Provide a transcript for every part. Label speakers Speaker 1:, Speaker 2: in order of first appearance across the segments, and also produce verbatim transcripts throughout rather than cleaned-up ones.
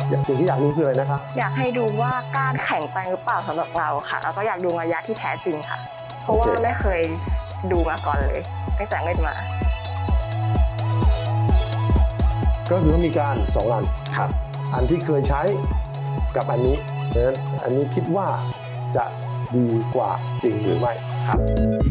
Speaker 1: สิ่งที่อยากรู้คืออะไรนะครับ
Speaker 2: อยากให้ดูว่าก้านแข็งไปหรือเปล่าสำหรับเราค่ะแล้วก็อยากดูระยะที่แท้จริงค่ะเพราะว่าไม่เคยดูมาก่อนเลยตั้งแต่เล่นมา
Speaker 1: ก็คือมีการสองอัน
Speaker 3: ครับ
Speaker 1: อันที่เคยใช้กับอันนี้เพราะฉะนั้นอันนี้คิดว่าจะดีกว่าจริงหรือไม่
Speaker 3: ครับ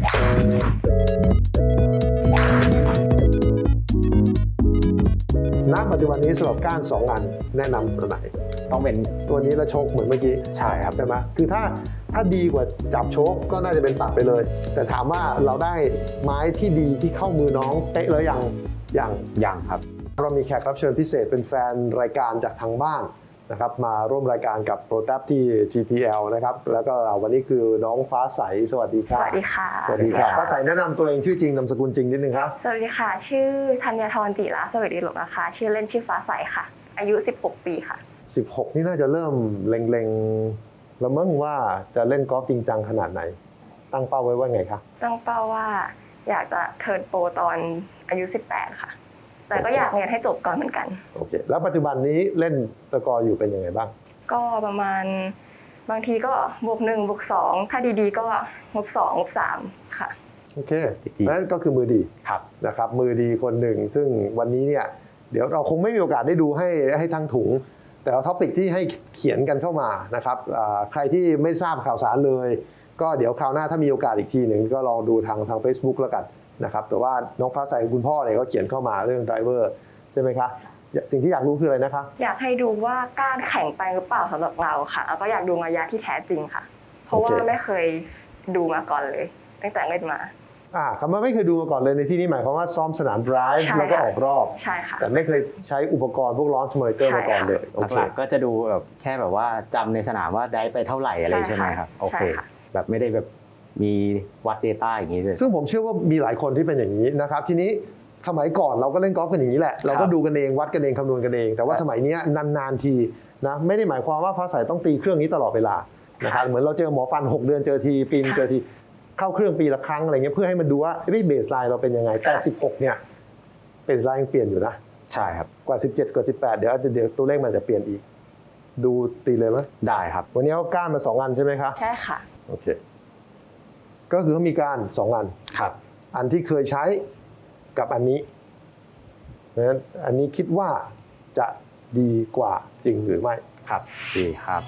Speaker 1: ณปัจจุบันนี้สำหรับก้านสองอันแนะนำตัวไหน
Speaker 3: ต้องเป็น
Speaker 1: ตัวนี้แล้วโชคเหมือนเมื่อกี้
Speaker 3: ใช่ครับ
Speaker 1: ใช่ไหมคือถ้าถ้าดีกว่าจับโชคก็น่าจะเป็นตัดไปเลยแต่ถามว่าเราได้ไม้ที่ดีที่เข้ามือน้องเป๊ะแล้วยังยัง
Speaker 3: ยังครับ
Speaker 1: เรามีแขกรับเชิญพิเศษเป็นแฟนรายการจากทางบ้านนะครับมาร่วมรายการกับโปรแทบที่ จี พี แอล นะครับแล้วก็เราวันนี้คือน้องฟ้าใสสวัสดีครับ
Speaker 2: สวัสดีค่ะ
Speaker 1: สวัสดีครับฟ้าใสแนะนำตัวเองชื่อจริงนามสกุลจริงนิดนึงครับ
Speaker 2: สวัสดีค่ะชื่อธัญธรจิระสวัสดีหลงนะคะชื่อเล่นชื่อฟ้าใสค่ะอายุสิบหกปีค่ะ
Speaker 1: สิบหกนี่น่าจะเริ่มเล็งๆแล้วมั้งว่าจะเล่นกอล์ฟจริงจังขนาดไหนตั้งเป้าไว้ว่าไงครับ
Speaker 2: ตั้งเป้าว่าอยากจะเทิร์นโปรตอนอายุสิบแปดค่ะแต่ก็อยากเรียนให้จบก่อนเหมือนกัน
Speaker 1: โอเคแล้วปัจจุบันนี้เล่นสกอร์อยู่เป็นยังไงบ้าง
Speaker 2: ก็ประมาณบางทีก็บวกหนึ่งบวกสองถ้าดีๆก็งบสองงบสามค่ะ
Speaker 1: โอเคนั่นก็คือมือดี
Speaker 3: ครับ
Speaker 1: นะครับมือดีคนหนึ่งซึ่งวันนี้เนี่ยเดี๋ยวเราคงไม่มีโอกาสได้ดูให้ให้ทั้งถุงแต่เอาท็อปิกที่ให้เขียนกันเข้ามานะครับใครที่ไม่ทราบข่าวสารเลยก็เดี๋ยวคราวหน้าถ้ามีโอกาสอีกทีหนึ่งก็ลองดูทางทาง Facebook แล้วกันนะครับแต่ว่าน้องฟ้าใสคุณพ่อเนี่ยก็เขียนเข้ามาเรื่องไดรเวอร์ใช่ไหมคะสิ่งที่อยากรู้คืออะไรนะคะ
Speaker 2: อยากให้ดูว่าก้านแข็งไปหรือเปล่าสำหรับเราค่ะแล้วก็อยากดูระยะที่แท้จริงค่ะเพราะว่าไม่เคยดูมาก่อนเลยตั้งแต่เล่นมา
Speaker 1: อ่าคำว่าไม่เคยดูมาก่อนเลยในที่นี้หมายความว่าซ้อมสนามไดรฟ์แล้วก็ออกรอบ
Speaker 2: ใช่ค่ะ
Speaker 1: แต่ไม่เคยใช้อุปกรณ์พวกลอนช์มอนิเตอร์มาก่อนเลย
Speaker 3: หลักๆก็จะดูแบบแค่แบบว่าจำในสนามว่าได้ไปเท่าไหร่อะไรใช่ไหมครับโอเคแบบไม่ได้แบบมีวัด Data อย่างนี้เลย
Speaker 1: ซึ่งผมเชื่อว่ามีหลายคนที่เป็นอย่างนี้นะครับทีนี้สมัยก่อนเราก็เล่นกอล์ฟกันอย่างนี้แหละเราก็ดูกันเองวัดกันเองคำนวณกันเองแต่ว่าสมัยนี้นานๆทีนะไม่ได้หมายความว่าฟ้าใสต้องตีเครื่องนี้ตลอดเวลานะครับเหมือนเราเจอหมอฟันหกเดือนเจอทีปีนเจอทีเข้าเครื่องปีละครั้งอะไรเงี้ยเพื่อให้มันดูว่าเบสไลน์เราเป็นยังไงแต่สิบหกเนี่ยเบสไลน์ยังเปลี่ยนอยู่นะ
Speaker 3: ใช่ครับ
Speaker 1: กว่าสิบเจ็ดกว่าสิบแปดเดี๋ยวเดี๋ยวตัวเลขมันจะเปลี่ยนอีกดูตีเลยไหม
Speaker 3: ได้ครับ
Speaker 1: วันนี้เขาก้านมาสองอันใช่ไหมครับ
Speaker 2: ใช่ค่ะ
Speaker 1: โอเคก็คือเขามีการสองอัน
Speaker 3: ครับ
Speaker 1: อันที่เคยใช้กับอันนี้เพราะฉะนั้นอันนี้คิดว่าจะดีกว่าจริงหรือไม่
Speaker 3: ครับดีครับ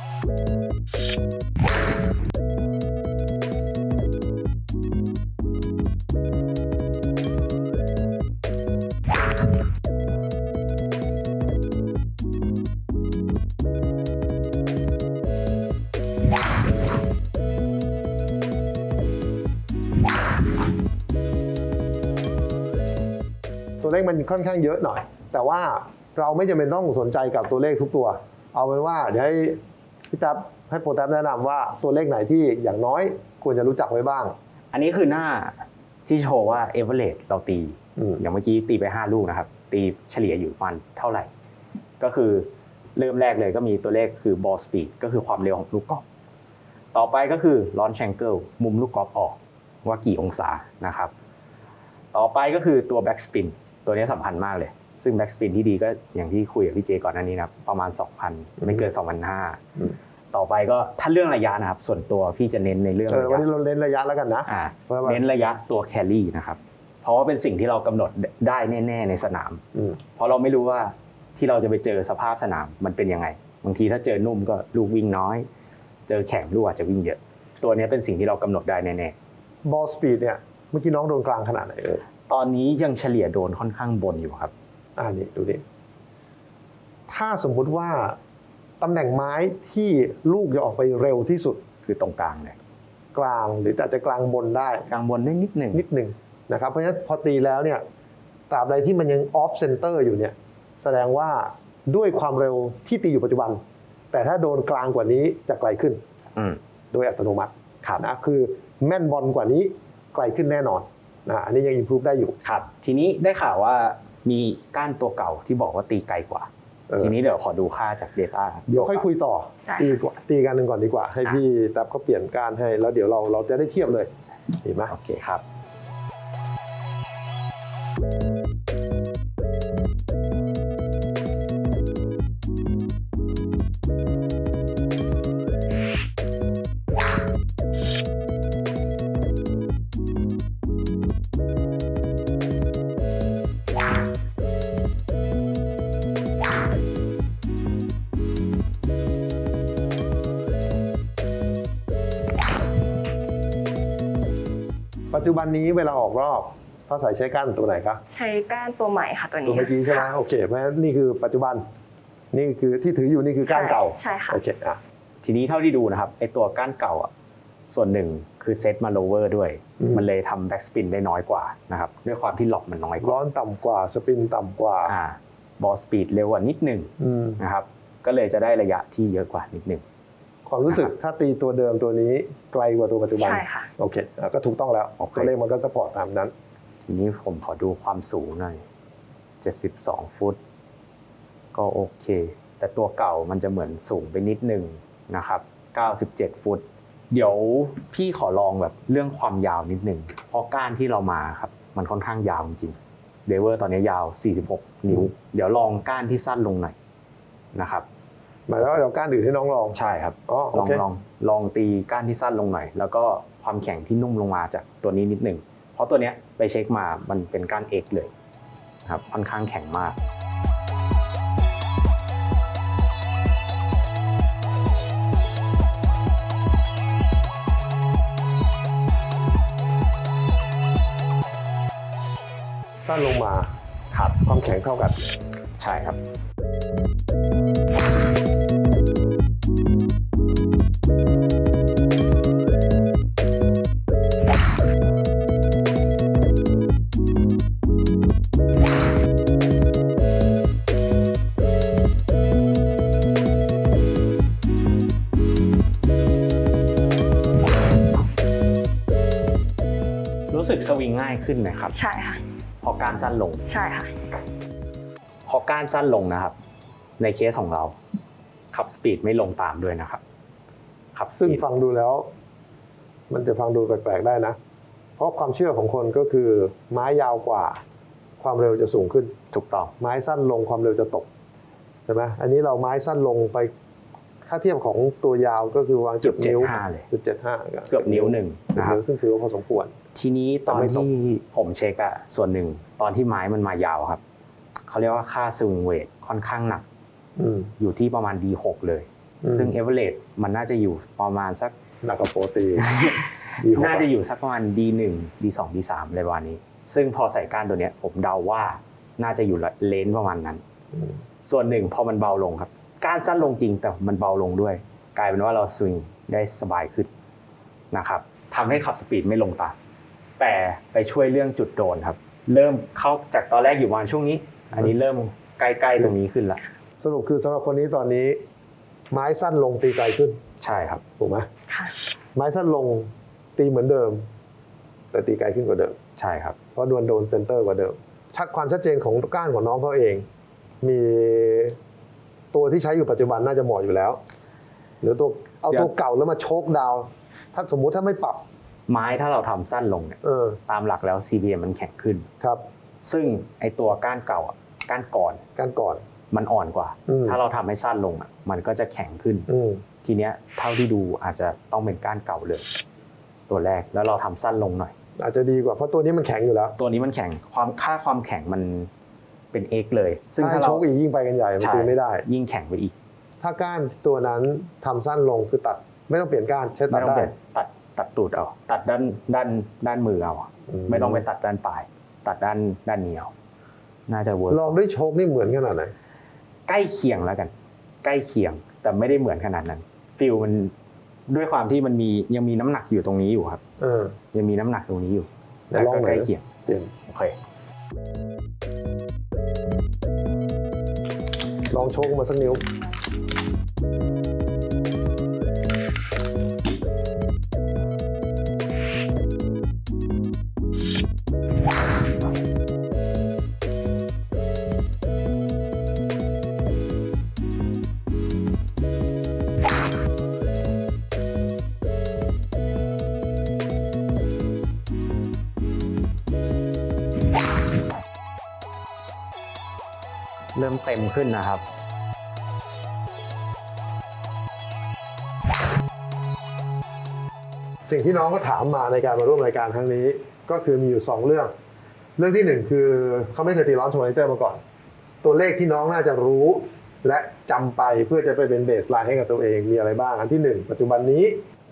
Speaker 1: ตัวเลขมันค่อนข้างเยอะหน่อยแต่ว่าเราไม่จำเป็นต้องสนใจกับตัวเลขทุกตัวเอาเป็นว่าเดี๋ยวให้พี่ตั๊บให้โปรแทบแนะนำว่าตัวเลขไหนที่อย่างน้อยควรจะรู้จักไว้บ้าง
Speaker 3: อันนี้คือหน้าที่โชว์ว่า average เราตีอย่างเมื่อกี้ตีไปห้าลูกนะครับตีเฉลี่ยอยู่ประมาณเท่าไหร่ก็คือเริ่มแรกเลยก็มีตัวเลขคือ ball speed ก็คือความเร็วของลูกกอล์ฟต่อไปก็คือ launch angle มุมลูกกอล์ฟออกว่ากี่องศานะครับต่อไปก็คือตัว back spin ตัวนี้สำคัญมากเลยซึ่ง back spin ที่ดีก็อย่างที่คุยกับพี่เจก่อนหน้านี้นะประมาณ สองพัน ไม่เกิน สองพันห้าร้อย ต่อไปก็ถ้าเรื่องระยะนะครับส่วนตัวพี่จะเน้นในเรื่องระยะ
Speaker 1: วันนี้เราเน้นระยะแล้วกันนะ
Speaker 3: เน้นระยะตัว carry นะครับเพราะว่าเป็นสิ่งที่เรากำหนดได้แน่ๆในสนามเพราะเราไม่รู้ว่าที่เราจะไปเจอสภาพสนามมันเป็นยังไงบางทีถ้าเจอนุ่มก็ลูกวิ่งน้อยเจอแข็งลูกอาจจะวิ่งเยอะตัวนี้เป็นสิ่งที่เรากำหนดได้แน่
Speaker 1: ๆ ball speed เนี่ยเมื่อกี้น้องโดนกลางขนาดไหนเอ่ย
Speaker 3: ตอนนี้ยังเฉลี่ยโดนค่อนข้างบนอยู่ครับ
Speaker 1: อ่านี่ดูดิถ้าสมมุติว่าตำแหน่งไม้ที่ลูกจะออกไปเร็วที่สุด
Speaker 3: คือตรงกลางเลย
Speaker 1: กลางหรืออาจจะกลางบนได้
Speaker 3: กลางบนได้นิดหนึ่ง
Speaker 1: นิดหนึ่งนะครับเพราะฉะนั้นพอตีแล้วเนี่ยตราบใดที่มันยังออฟเซนเตอร์อยู่เนี่ยแสดงว่าด้วยความเร็วที่ตีอยู่ปัจจุบันแต่ถ้าโดนกลางกว่านี้จะไกลขึ้นโดยอัตโนมัตินะคือแม่นบอลกว่านี้ไกลขึ้นแน่นอนนะอันนี้ยังอิมพรูฟได้อยู่
Speaker 3: ครับทีนี้ได้ข่าวว่ามีก้านตัวเก่าที่บอกว่าตีไกลกว่าทีนี้เดี๋ยวขอดูค่าจาก Data
Speaker 1: เดี๋ยวค่อยคุยต่อตีกว่าตีกันหนึ่งก่อนดีกว่าให้พี่แท็บเขาเปลี่ยนก้านให้แล้วเดี๋ยวเราเราจะได้เทียบเลยดีไหม
Speaker 3: โอเคครับ
Speaker 1: จจุบันนี้เวลาออกรอบฟ้าใสใช้ก้านตัวไหนคะ
Speaker 2: ใช้ก้านตัวใหม่ค่ะตัว
Speaker 1: ตัว
Speaker 2: นี้
Speaker 1: เมื่อกี้ใช่ไหมโอเคเพราะฉะนั้นนี่คือปัจจุบันนี่คือที่ถืออยู่นี่คือก้านเก่า
Speaker 2: ใช่ค่ะ
Speaker 1: โอเคอ่ะ
Speaker 3: ทีนี้เท่าที่ดูนะครับไอตัวก้านเก่าอ่ะส่วนหนึ่งคือเซตมาโลเวอร์ด้วย มันเลยทำแบ็กสปินได้น้อยกว่านะครับด้วยความที่ล็อกมันน้อยกว่า
Speaker 1: ร้อนต่ำกว่าสปินต่ำกว่า
Speaker 3: อ่าบอลสปีดเร็วกว่านิดหนึ่ง
Speaker 1: อืม
Speaker 3: นะครับก็เลยจะได้ระยะที่เยอะกว่านิดหนึ่ง
Speaker 1: ความรู้สึกถ้าตีตัวเดิมตัวนี้ไกลกว่าตัวปัจจุบัน
Speaker 2: ใช่ค่ะ
Speaker 1: โอเคอ่ะก็ถูกต้องแล้ว
Speaker 3: โอเค
Speaker 1: ตัวเลขมันก็สปอร์ตตามนั้น
Speaker 3: ทีนี้ผมขอดูความสูงหน่อยเจ็ดสิบสองฟุตก็โอเค แต่ตัวเก่ามันจะเหมือนสูงไปนิดหนึ่งนะครับเก้าสิบเจ็ดฟุตเดี๋ยวพี่ขอลองแบบเรื่องความยาวนิดหนึ่งเพราะก้านที่เรามาครับมันค่อนข้างยาวจริงเดเวอร์ตอนนี้ยาวสี่สิบหกนิ้ว เดี๋ยวลองก้านที่สั้นลงหน่อยนะครับ
Speaker 1: หมายถึงว่าเอาก้านอื่นให้น้องลอง
Speaker 3: ใช่ครับ
Speaker 1: อ๋อ
Speaker 3: ล
Speaker 1: โอ
Speaker 3: อง
Speaker 1: เค
Speaker 3: ลองลองตีก้านที่สั้นลงหน่อย แล้วก็ความแข็งที่นุ่มลงมาจากตัวนี้นิดหนึ่งเพราะตัวเนี้ยไปเช็คมามันเป็นก้าน X เลยนะครับค่อนข้างแข็งมาก
Speaker 1: สั้นลงมา
Speaker 3: ครับ
Speaker 1: ความแข็งเท่ากัน
Speaker 3: ใช่ครับรู้สึกสวิงง่ายขึ้นไหมครับ
Speaker 2: ใช่ค่ะ
Speaker 3: พอก้านสั้นลง
Speaker 2: ใช่ค่ะ
Speaker 3: พอก้านสั้นลงนะครับ ในเคสของเราขับสปีดไม่ลงตามด้วยนะครับขับส
Speaker 1: ซึ่ง
Speaker 3: ปีด
Speaker 1: ฟังดูแล้ว มันจะฟังดูแปลกๆได้นะ เพราะความเชื่อของคนก็คือไม้ยาวกว่า ความเร็วจะสูงขึ้น
Speaker 3: ถูกต้อง
Speaker 1: ไม้สั้นลงความเร็วจะตกใช่ไหมอันนี้เราไม้สั้นลงไปค่าเทียบของตัวยาวก็คือวางจุดนิ้ว
Speaker 3: จุดเจ็ดห้าเลย
Speaker 1: จุดเจ็ดห้า
Speaker 3: เกือบนิ้วหนึ่งนะครับ
Speaker 1: ซึ่งถือว่าพอสมควร
Speaker 3: ทีนี้ตอน
Speaker 1: แต่ไม่ตก
Speaker 3: ที่ผมเช็คอะส่วนหนึ่งตอนที่ไม้มันมายาวครับเขาเรียกว่าค่าสวิงเวทค่อนข้างหนัก
Speaker 1: อืม
Speaker 3: อยู่ที่ประมาณ ดี หก เลย
Speaker 1: อืม
Speaker 3: ซึ่งเอเวอเรสมันน่าจะอยู่ประมาณสัก
Speaker 1: หนักกว่าโปรตีน ดีหก
Speaker 3: น่าจะอยู่สักประมาณ ดี หนึ่ง ดี สอง ดี สามอะไรประมาณนี้ ซึ่งพอใส่ก้านตัวเนี้ยผมเดาว่าน่าจะอยู่เลนส์ประมาณนั้น
Speaker 1: อืม
Speaker 3: ส่วนหนึ่งพอมันเบาลงครับก้านสั้นลงจริงแต่มันเบาลงด้วย กลายเป็นว่าเราสวิงได้สบายขึ้นนะครับทำให้ขับสปีดไม่ลงตามแต่ไปช่วยเรื่องจุดโดนครับ เริ่มเข้าจากตอนแรกอยู่ประมาณช่วงนี้ อันนี้เริ่มใกล้ๆตรงนี้ขึ้นละ
Speaker 1: สรุปคือสำหรับคนนี้ตอนนี้ ไม้สั้นลงตีไกลขึ้น
Speaker 3: ใช่ครับ
Speaker 1: ถูกไหม
Speaker 2: ค่ะ
Speaker 1: ไม้สั้นลงตีเหมือนเดิม แต่ตีไกลขึ้นกว่าเดิม
Speaker 3: ใช่ครับ
Speaker 1: เพราะดวลโดนเซนเตอร์กว่าเดิม ชัดความชัดเจนของก้านของน้องเขาเอง มีตัวที่ใช้อยู่ปัจจุบันน่าจะเหมาะอยู่แล้ว หรือตัวเอาตัวเก่าแล้วมาโชกดาวน์ถ้าสมมุติถ้าไม่ปรับ
Speaker 3: ไม้ถ้าเราทำสั้นลงเนี่ย
Speaker 1: เออ
Speaker 3: ตามหลักแล้ว ซี พี เอ็ม มันแข็งขึ้น
Speaker 1: ครับ
Speaker 3: ซึ่งไอตัวก้านเก่าอะก้านก่อน
Speaker 1: การก่อน
Speaker 3: มันอ่อนกว่า
Speaker 1: อืม
Speaker 3: ถ้าเราทำให้สั้นลงอะมันก็จะแข็งขึ้น
Speaker 1: อืม
Speaker 3: ทีเนี้ยเท่าที่ดูอาจจะต้องเป็นก้านเก่าเลย ตัวแรกแล้วเราทำสั้นลงหน่อย
Speaker 1: อาจจะดีกว่าเพราะตัวนี้มันแข็งอยู่แล้ว
Speaker 3: ตัวนี้มันแข็งความค่าความแข็งมันเป็น X เลย ซึ่ง
Speaker 1: ถ้า
Speaker 3: ถ้า
Speaker 1: โช
Speaker 3: เรา
Speaker 1: กอีกยิ่งไปกันใหญ่มัน
Speaker 3: ใช่
Speaker 1: ตีไม่ได้
Speaker 3: ยิ่งแข็งไปอีก
Speaker 1: ถ้าก้านตัวนั้นทำสั้นลงคือตัด ไม่ต้องเปลี่ยนก้านใช้ตั
Speaker 3: ไม่
Speaker 1: ด
Speaker 3: ต้อง
Speaker 1: ได้
Speaker 3: ไปตัดตัดตูดเอาตัดด้านด้านด้านมือเอา
Speaker 1: อืม
Speaker 3: ไม่ต้องไปตัดด้านปลาย ตัดด้านด้านนี้เอาน่าจะเวิร์ก
Speaker 1: ลองด้วยโชคนี่เหมือนขนาดไหน
Speaker 3: ใกล้เคียงแล้วกัน ใกล้เคียงแต่ไม่ได้เหมือนขนาดนั้นฟิลมันด้วยความที่มันมียังมีน้ำหนักอยู่ตรงนี้อยู่ครับ
Speaker 1: เออ
Speaker 3: ยังมีน้ำหนักตรงนี้อยู่
Speaker 1: เดี๋
Speaker 3: แต่
Speaker 1: ยวลอง
Speaker 3: ก็
Speaker 1: หน่อย
Speaker 3: ใกล้เคียง
Speaker 1: เปลี่ยน
Speaker 3: โอเค
Speaker 1: ลองโชกมาสักนิ้ว
Speaker 3: เริ่มเต็มขึ้นนะครับ
Speaker 1: สิ่งที่น้องก็ถามมาในการมาร่วมรายการครั้งนี้ ก็คือมีอยู่สองเรื่อง เรื่องที่หนึ่งคือเขาไม่เคยตีร้อนชมอนิเตอร์มาก่อน ตัวเลขที่น้องน่าจะรู้ และจำไปเพื่อจะไปเป็นเบสไลน์ให้กับตัวเองมีอะไรบ้าง อันที่หนึ่งปัจจุบันนี้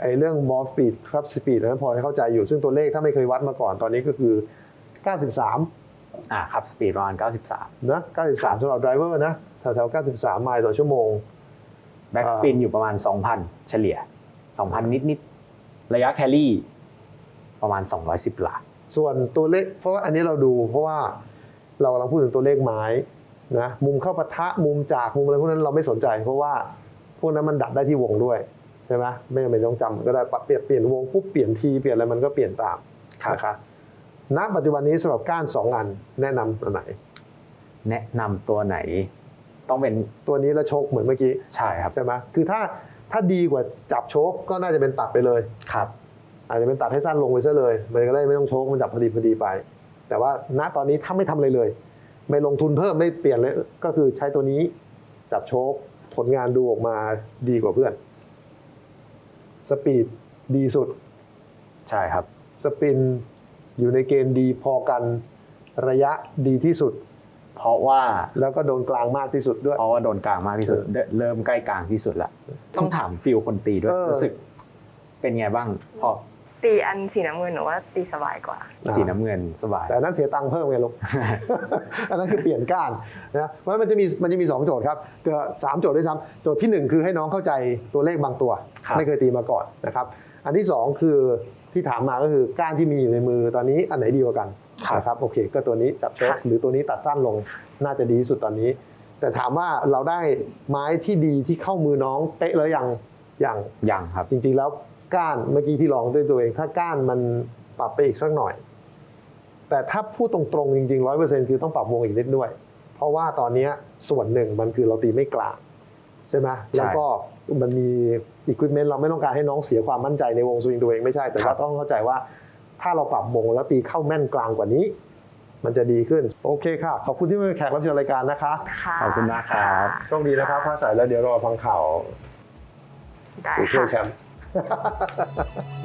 Speaker 1: ไอ้เรื่อง ball speed club speed นั้นพอให้เข้าใจอยู่ซึ่งตัวเลขถ้าไม่เคยวัดมาก่อนตอนนี้ก็คือ เก้าสิบสาม
Speaker 3: อ่าครับสปีดประมาณเก้าสิบสาม
Speaker 1: นะเก้าสิบสามสำหรับไดรเวอร์นะแถวๆเก้าสิบสามไมล์ต่อชั่วโมง
Speaker 3: แบ็กสปินอยู่ประมาณ สองพัน เฉลี่ย สองพัน นิดๆระยะแครี่ประมาณสองร้อยสิบหลา
Speaker 1: ส่วนตัวเลขเพราะว่าอันนี้เราดูเพราะว่าเรากำลังพูดถึงตัวเลขไม้นะมุมเข้าปะทะมุมจากมุมอะไรพวกนั้นเราไม่สนใจเพราะว่าพวกนั้นมันดับได้ที่วงด้วยใช่ไหมไม่จำเป็นต้องจำก็ได้เปลี่ยนเปลี่ยนวงปุ๊บเปลี่ยนทีเปลี่ยนอะไรมันก็เปลี่ยนตามนะครับณปัจจุบันนี้สำหรับก้านสองอันแนะนำตัวไหน
Speaker 3: แนะนำตัวไหนต้องเป็น
Speaker 1: ตัวนี้แล้วโชคเหมือนเมื่อกี้
Speaker 3: ใช่ครับ
Speaker 1: ใช่ไหมคือถ้าถ้าดีกว่าจับโชคก็น่าจะเป็นตัดไปเลย
Speaker 3: ครับ
Speaker 1: อาจจะเป็นตัดให้สั้นลงไปซะเลยมันก็ได้ไม่ต้องโชคมันจับพอดีพอดีไปแต่ว่าณตอนนี้ถ้าไม่ทำอะไรเลยไม่ลงทุนเพิ่มไม่เปลี่ยนเลยก็คือใช้ตัวนี้จับโชคผลงานดูออกมาดีกว่าเพื่อนสปีดดีสุด
Speaker 3: ใช่ครับ
Speaker 1: สปินอยู่ในเกณฑ์ดีพอกันระยะดีที่สุด
Speaker 3: เพราะว่า
Speaker 1: แล้วก็โดนกลางมากที่สุดด้วย
Speaker 3: เพราะว่าโดนกลางมากที่สุดเริ่มใกล้กลางที่สุดละต้องถามฟิลคนตีด้วยรู้สึกเป็นไงบ้างพอ
Speaker 2: ตีอันสีน้ำเงินหนูว่าตีสบายกว่า
Speaker 3: สีน้ำเงินสบาย
Speaker 1: แต่นั้นเสียตังค์เพิ่มไงลูก อันนั้นคือเปลี่ยนก้านนะเพราะมันจะมีมันจะมีสองโจทย์ครับเกือบสามโจทย์ด้วยซ้ำโจทย์ที่หนึ่งคือให้น้องเข้าใจตัวเลขบางตัวไม่เคยตีมาก่อนนะครับอันที่สองคือที่ถามมาก็คือก้านที่มีอยู่ในมือตอนนี้อันไหนดีกว่ากันนะครับโอเคก็ตัวนี้จับโชคหรือตัวนี้ตัดสั้นลงน่าจะดีที่สุดตอนนี้แต่ถามว่าเราได้ไม้ที่ดีที่เข้ามือน้องเป๊ะแล้วยังยัง
Speaker 3: ยังครับ
Speaker 1: จริงๆแล้วก้านเมื่อกี้ที่ลองด้วยตัวเองถ้าก้านมันปรับไปอีกสักหน่อยแต่ถ้าพูดตรงๆจริงๆ ร้อยเปอร์เซ็นต์ คือต้องปรับวงอีกนิดด้วยเพราะว่าตอนนี้ส่วนหนึ่งมันคือเราตีไม่กลางใช่ไหมแล้วก็มันมีอุปกรณ์เราไม่ต้องการให้น้องเสียความมั่นใจในวงสวิงตัวเองไม่ใช่แต่ว่าต้องเข้าใจว่าถ้าเราปรับวงแล้วตีเข้าแม่นกลางกว่านี้มันจะดีขึ้นโอเคค่ะขอบคุณที่มาเป็นแขกรับเชิญรายการนะคะ
Speaker 3: ขอบคุณมากครับ
Speaker 1: โชคดีนะครับฟ้าใสแล้วเดี๋ยวรอฟังข่าว
Speaker 2: ได้
Speaker 1: ค่ะ
Speaker 2: ผู้ช่วยแช
Speaker 1: มป์